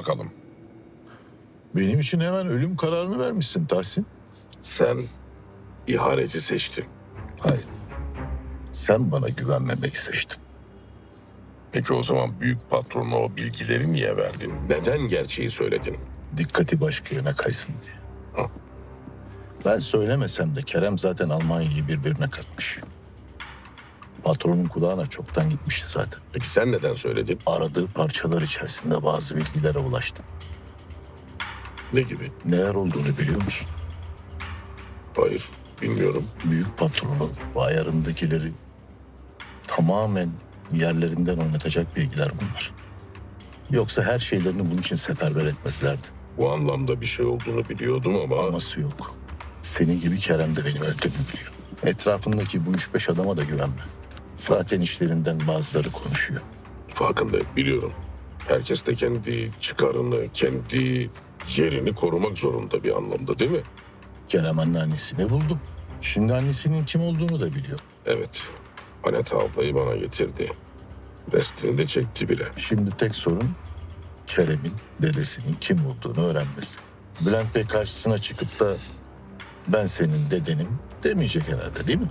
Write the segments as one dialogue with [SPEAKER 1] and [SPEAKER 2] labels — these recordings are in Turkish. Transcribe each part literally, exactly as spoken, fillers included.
[SPEAKER 1] bakalım.
[SPEAKER 2] Benim için hemen ölüm kararını vermişsin Tahsin.
[SPEAKER 1] Sen ihaneti seçtin.
[SPEAKER 2] Hayır. Sen bana güvenmemeyi seçtin.
[SPEAKER 1] Peki o zaman büyük patrona o bilgileri niye verdin? Neden gerçeği söyledin?
[SPEAKER 2] Dikkati başka yöne kaysın diye.
[SPEAKER 1] Ha.
[SPEAKER 2] Ben söylemesem de Kerem zaten Almanya'yı birbirine katmış. Patronun kulağına çoktan gitmişti zaten.
[SPEAKER 1] Peki sen neden söyledin?
[SPEAKER 2] Aradığı parçalar içerisinde bazı bilgilere ulaştım.
[SPEAKER 1] Ne gibi?
[SPEAKER 2] Neler olduğunu biliyor musun?
[SPEAKER 1] Hayır, bilmiyorum.
[SPEAKER 2] Büyük patronun bu ayarındakileri tamamen yerlerinden oynatacak bilgiler bunlar. Yoksa her şeylerini bunun için seferber etmezlerdi.
[SPEAKER 1] Bu anlamda bir şey olduğunu biliyordum ama...
[SPEAKER 2] Aması yok. Senin gibi Kerem de benim öldüğümü biliyor. Etrafındaki bu üç beş adama da güvenme. Zaten işlerinden bazıları konuşuyor.
[SPEAKER 1] Farkındayım, biliyorum. Herkes de kendi çıkarını, kendi yerini korumak zorunda bir anlamda, değil mi?
[SPEAKER 2] Kerem anneannesini buldu. Şimdi annesinin kim olduğunu da biliyor.
[SPEAKER 1] Evet, Anet ablayı bana getirdi. Restini de çekti bile.
[SPEAKER 2] Şimdi tek sorun Kerem'in dedesinin kim olduğunu öğrenmesi. Bülent Bey karşısına çıkıp da ben senin dedenim demeyecek herhalde, değil mi?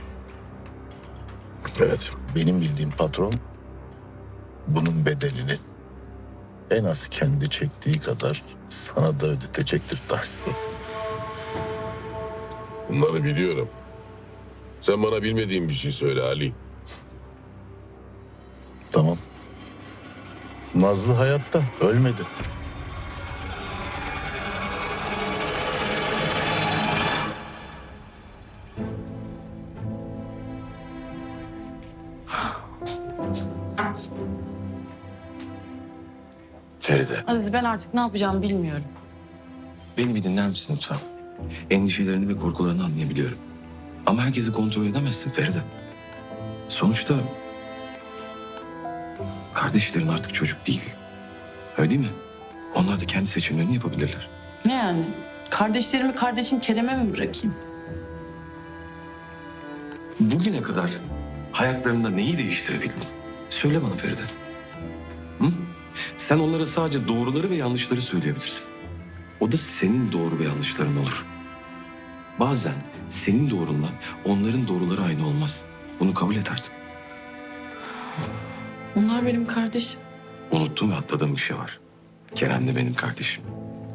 [SPEAKER 1] Evet,
[SPEAKER 2] Benim bildiğim patron bunun bedelini en az kendi çektiği kadar sana da ödetecektir Tahsin.
[SPEAKER 1] bunları biliyorum. Sen bana bilmediğin bir şey söyle Ali.
[SPEAKER 2] Tamam. Nazlı hayatta, ölmedi.
[SPEAKER 3] Feride,
[SPEAKER 4] Aziz, ben artık ne yapacağımı bilmiyorum.
[SPEAKER 3] beni bir dinler misin lütfen? Endişelerini ve korkularını anlayabiliyorum. Ama herkesi kontrol edemezsin Feride. Sonuçta kardeşlerin artık çocuk değil. Öyle değil mi? Onlar da kendi seçimlerini yapabilirler.
[SPEAKER 4] Ne yani? Kardeşlerimi kardeşim Kerem'e mi bırakayım?
[SPEAKER 3] Bugüne kadar hayatlarında neyi değiştirebildin? Söyle bana Feride. Hı? Sen onlara sadece doğruları ve yanlışları söyleyebilirsin. O da senin doğru ve yanlışların olur. Bazen senin doğrunla onların doğruları aynı olmaz. Bunu kabul et artık.
[SPEAKER 4] Onlar benim kardeşim.
[SPEAKER 3] Unuttum ve atladığım bir şey var. Kerem de benim kardeşim.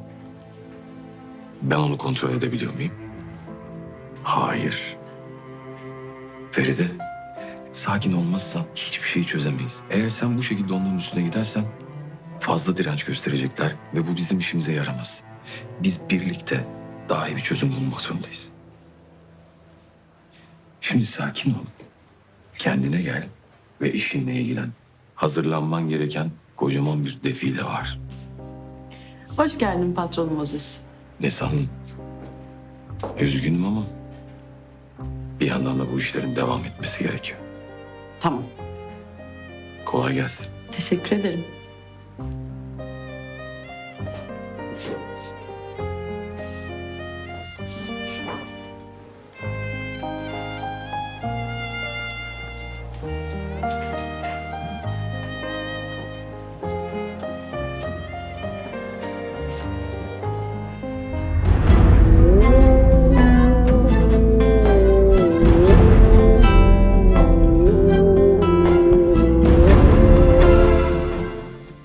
[SPEAKER 3] Ben onu kontrol edebiliyor muyum? Hayır. Feride, sakin olmazsan hiçbir şeyi çözemeyiz. Eğer sen bu şekilde onların üstüne gidersen fazla direnç gösterecekler ve bu bizim işimize yaramaz. Biz birlikte daha iyi bir çözüm bulmak zorundayız. Şimdi sakin ol. Kendine gel ve işinle ilgilen. Hazırlanman gereken kocaman bir defile var.
[SPEAKER 4] Hoş geldin patronum Aziz.
[SPEAKER 3] Ne sandın? Üzgünüm ama bir yandan da bu işlerin devam etmesi gerekiyor.
[SPEAKER 4] Tamam.
[SPEAKER 3] Kolay gelsin.
[SPEAKER 4] Teşekkür ederim.